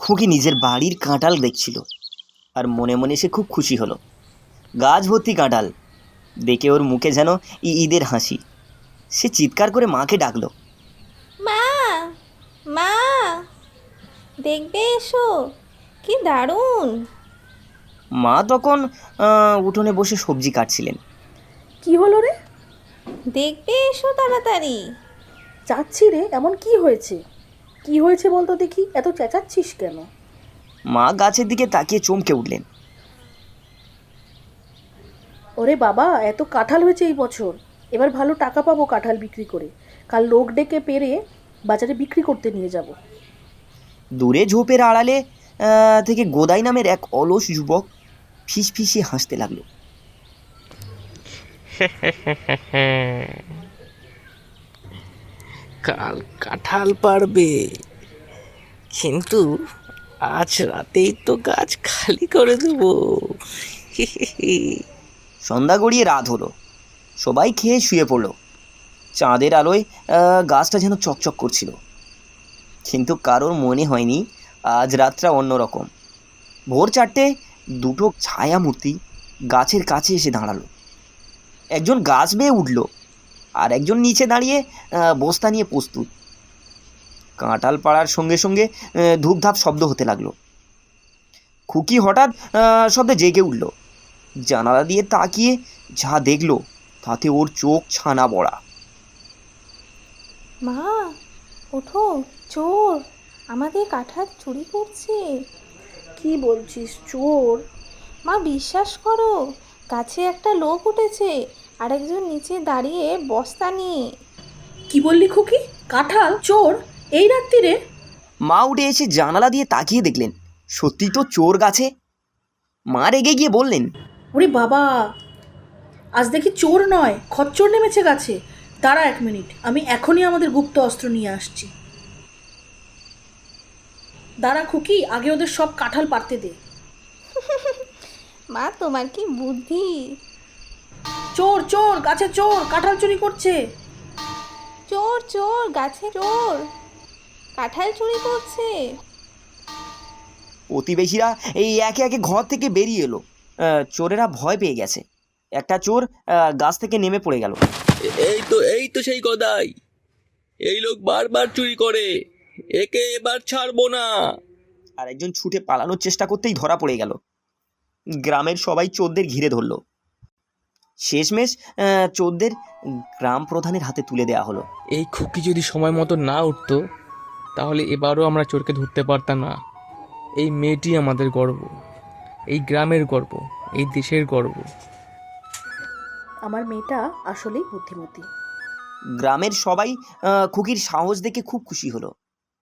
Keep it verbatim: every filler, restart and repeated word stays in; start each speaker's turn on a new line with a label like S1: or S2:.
S1: খুকি নিজের বাড়ির কাঁঠাল দেখছিল আর মনে মনে সে খুব খুশি হলো। গাছ ভর্তি কাঁঠাল দেখে ওর মুখে যেন ঈদের হাসি। সে চিৎকার করে মাকে ডাকলো,
S2: মা, মা, দেখবে এসো, কি দারুণ।
S1: মা তখন উঠোনে বসে সবজি কাটছিলেন।
S3: কি হলো রে?
S2: দেখবে এসো তাড়াতাড়ি।
S3: যাচ্ছি রে, এমন কি হয়েছে? কি হয়েছে বলতো দেখি, এত চেঁচাচ্ছিস কেন?
S1: মা গাছের দিকে তাকিয়ে চমকে উঠলেন।
S3: ওরে বাবা, এত কাঁঠাল হয়েছে এই বছর, এবার ভালো টাকা পাবো কাঁঠাল বিক্রি করে। কাল লোক ডেকে পেরে বাজারে বিক্রি করতে নিয়ে যাব।
S1: দূরে ঝোপের আড়ালে থেকে গোদাই নামের এক অলস যুবক ফিস ফিসিয়ে হাসতে লাগলো।
S4: কাল কাঁঠাল পারবে, কিন্তু আজ রাতেই তো গাছ খালি করে দেব।
S1: সন্ধ্যা গড়িয়ে রাত হলো, সবাই খেয়ে শুয়ে পড়লো। চাঁদের আলোয় গাছটা যেন চকচক করছিল, কিন্তু কারোর মনে হয়নি আজ রাতটা অন্যরকম। ভোর চারটে দুটো ছায়ামূর্তি গাছের কাছে এসে দাঁড়ালো। একজন গাছ বেয়ে উঠল আর একজন নিচে দাঁড়িয়ে বস্তা নিয়ে প্রস্তুত। কাঁঠাল পাড়ার সঙ্গে সঙ্গে ধূপধাপ শব্দ হতে লাগলো। খুকি হঠাৎ শব্দে জেগে উঠল। জানালা দিয়ে তাকিয়ে যা দেখলো তাতে ওর চোখ ছানা বড়া।
S2: মা, ওঠো, চোর আমাদের কাঁঠাল চুরি করছে।
S3: কি বলছিস, চোর?
S2: মা, বিশ্বাস করো, গাছে একটা লোক উঠেছে আর একজন নিচে দাঁড়িয়ে বস্তা নিয়ে।
S3: কি বললি খুকি? কাঁঠাল চোর এই রাত্রিরে?
S1: মা উঠে এসে জানালা দিয়ে তাকিয়ে দেখলেন সত্যি তো চোর গাছে। মা রেগে গিয়ে বললেন,
S3: ওরে বাবা, আজ দেখি চোর নয় খচ্চর নেমেছে গাছে। দাঁড়া এক মিনিট, আমি এখনই আমাদের গুপ্ত অস্ত্র নিয়ে আসছি। দাঁড়া খুকি, আগে ওদের সব কাঁঠাল পাড়তে দে।
S2: মা, তোমার কি বুদ্ধি।
S3: চোর চোর, গাছে চোর, কাঁঠাল চুরি করছে।
S2: চোর চোর, গাছে চোর, কাঁঠাল চুরি করছে।
S1: প্রতিবেশীরা এই একে একে ঘর থেকে বেরিয়ে এলো। চোরেরা ভয় পেয়ে গেছে। একটা চোর গাছ থেকে নেমে পড়ে গেল।
S4: এই তো এই তো সেই গদাই, এই লোক বারবার চুরি করে, একে এবার ছাড়বো না।
S1: আর একজন ছুটে পালানোর চেষ্টা করতেই ধরা পড়ে গেল। গ্রামের সবাই চোরদের ঘিরে ধরল। শেষমেশ চোরদের গ্রাম প্রধানের হাতে তুলে দেওয়া হলো।
S5: এই খুকি যদি সময় মতো না উঠতো তাহলে এবারও আমরা চোরকে ধরতে পারতাম না। এই মেয়েটি আমাদের গর্ব, এই গ্রামের গর্ব, এই দেশের গর্ব।
S3: আমার মেয়েটা আসলেই বুদ্ধিমতী।
S1: গ্রামের সবাই খুকির সাহস দেখে খুব খুশি হলো।